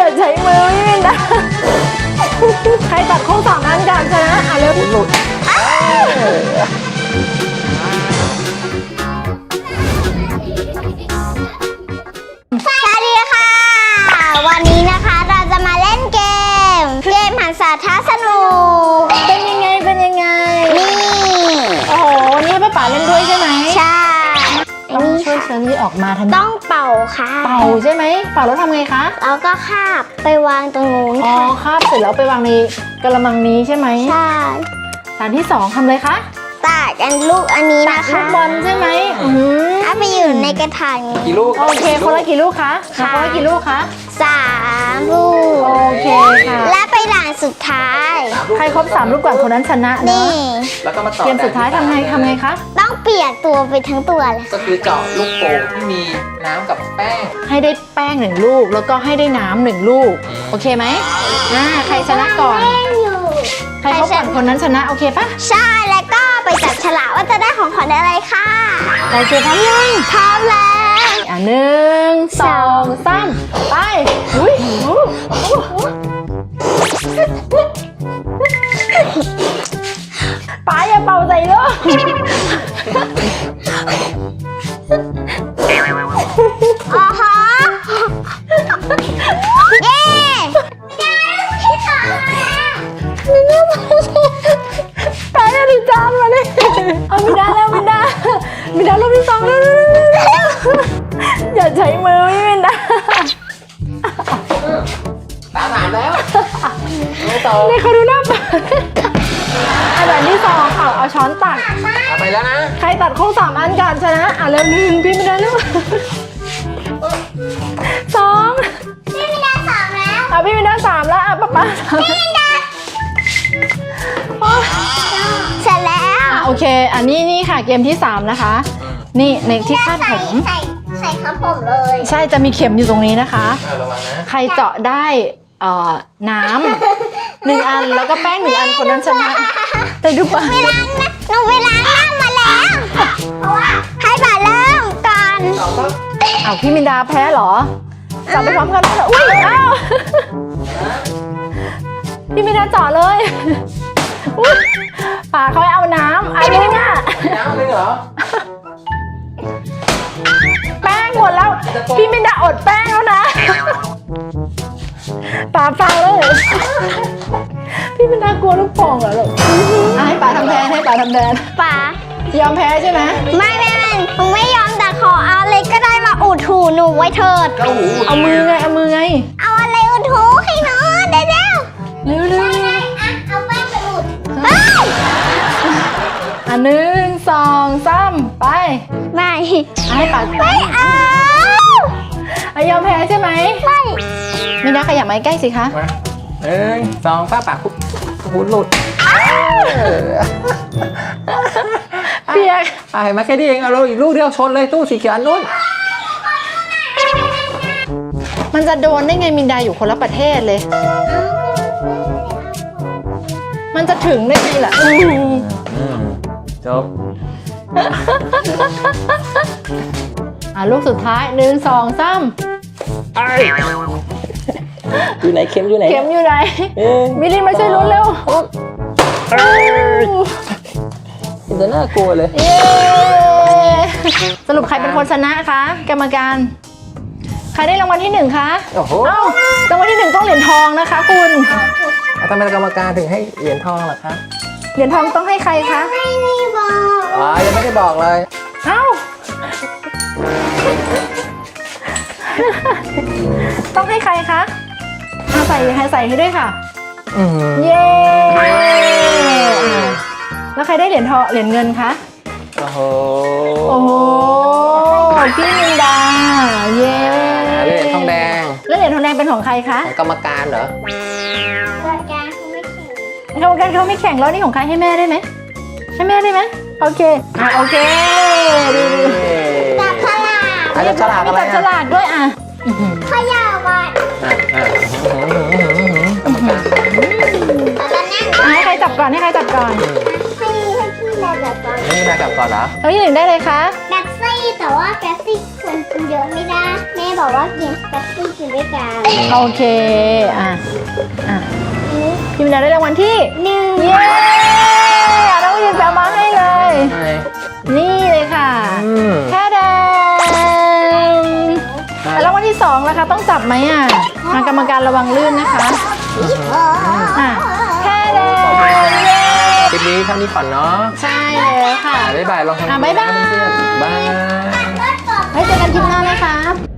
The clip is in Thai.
อย่าใช้มือพี่มินดาใครตัดโค้ง2 อันก่อนชนะเร็วหลุดสวัสดีค่ะวันนี้นะคะเราจะมาเล่นเกมหันษาท้าสนุกเป็นยังไงนี่โอ้โหนี่ป้าป๋าเล่นด้วยใช่ไหมใช่ต้องช่วยเชอรี่ออกมาทันทีต้องเป่าค่ะเป่าใช่ไหมเป่าแล้วทำไงคะแล้วก็คาบไปวางตรงนู้นอ๋อคาบเสร็จแล้วไปวางในกระมังนี้ใช่ไหมใช่ฐานที่2ทำเลยคะตัดลูกอันนี้นะคะลูกบอลใช่ไหมเอาไปอยู่ในกระถางกี่ลูกโอเคคนละกี่ลูกคะคนละกี่ลูกคะ 3 ลูกโอเคค่ะและไปด่านสุดท้ายใครครบ3 ลูกก่อนคนนั้นชนะเนอะแล้วก็มาต่อเกมสุดท้ายทำไงคะต้องเปียกตัวไปทั้งตัวเลยก็คือเจาะลูกโป่งที่มีน้ำกับแป้งให้ได้แป้ง1 ลูกแล้วก็ให้ได้น้ำ1 ลูกโอเคไหมใครชนะก่อนใครครบก่อนคนนั้นชนะโอเคปะใช่แล้วก็ไปจับฉลากว่าจะได้ของขวัญอะไรค่ะโอเคพร้อมยังพร้อมแล้ว 1 2 3ไปอุ้ยป๋าอย่าเป่าใส่เลยอ๋อฮะเย้ป๋าอย่าดิจานมาเลยเอามินดาลูกที่2แล้วอย่าใช้มือพี่มินดาตา3แล้วไม่ต่อนี่เขาดูหน้าป๋าอันดับที่2เอาช้อนตักเอาไปแล้วนะใครตัดโค้ง3 อันก่อนชนะเร็ว1พี่มินดาลูก2 พี่มินดา3แล้วพี่มินดา3แล้วป๊าพี่มินดาเสร็จแล้วโอเคอันนี้นี่ค่ะเกมที่3นะคะนี่ในที่คาดผมใส่ครับผมเลยใช่จะมีเข็มอยู่ตรงนี้นะคะระวังนะใครเจาะได้น้ำ1 อันแล้วก็แป้ง1 อันคนนั้นชนะแต่ดูป่ะหนูเวลานั่งมาแล้วให้ป่าเริ่มก่อนพี่มินดาแพ้เหรอจับไปพร้อมกันเลยอุ้ยพี่มินดาเจาะเลยป่าเขาเอาน้ำอันนี้น่ะน้ำเลยเหรอแป้งหมดแล้วพี่มินดาอดแป้งแล้วนะป่าฟังเลยพี่มินดากลัวลูกโป่งเหรอลูกให้ป่าทำแทนป่ายอมแพ้ใช่ไหมไม่หนูไม่ยอมแต่ขอเอาอะไรก็ได้มาอุดหูหนูไว้เถิดเอามือไงเอาอะไรอุดหูให้หนูเร็วเอาแป้งไปอุด 1 2 3ไปไม่ให้ป่าไม่ยอมแพ้ใช่ไหมไม่มินดาขยับมาใกล้สิคะ 1 2ป้าปากหูหลุดเปียกเห็นไหมแค่นี้เองเอาเราอีกลูกเดียวชนเลยตู้สีเขียวอันนู้นมันจะโดนได้ไงมินดาอยู่คนละประเทศเลยมันจะถึงได้ไงล่ะจบลูกสุดท้าย1 2 3 อยู่ไหนเข็มอยู่ไหนมิลลี่มาช่วยลุ้นเร็วจะน่ากลัวเลยสรุปใครเป็นคนชนะคะกรรมการใครได้รางวัลที่1คะโอ้โหรางวัลที่1ต้องเหรียญทองนะคะคุณทำไมกรรมการถึงให้เหรียญทองล่ะคะเหรียญทองต้องให้ใครคะไม่ได้บอกยังไม่ได้บอกเลยต้องให้ใครคะใส่ให้ด้วยค่ะเย้แล้วใครได้เหรียญทองเหรียญเงินคะโอ้โหพี่มินดาเย้เหรียญทองแดงแล้วเหรียญทองแดงเป็นของใครคะของกรรมการเหรอกรรมการเขาไม่แข่งแล้วนี่ของใครให้แม่ได้ไหมโอเคจับฉลากจับฉลากอะไรจับฉลากด้วยขย่าก่อนให้ใครจับก่อนให้พี่จับก่อนนี่นายจับก่อนเหรอที่1ได้เลยคะแป๊บซี่แต่ว่าแป๊บซี่ควรกินนเยอะไม่ได้แม่บอกว่ากินแป๊บซี่กินด้วยกันโอเค อ่ะพี่มินดาได้รางวัลที่ 1 เย้น้องวินแปลมาให้เลยใช่นี่เลยค่ะ แค่แดงแล้วรางวัลที่2ล่ะคะต้องจับไหมอ่ะทางกรรมการระวังลื่นนะคะอ่ะแค่แดงเย้คลิปนี้เท่านี้ก่อนเนาะใช่แล้วค่ะบ๊ายบายลองทำบ๊ายบายเพื่อนๆบ๊ายไว้เจอกันคลิปหน้านะคะ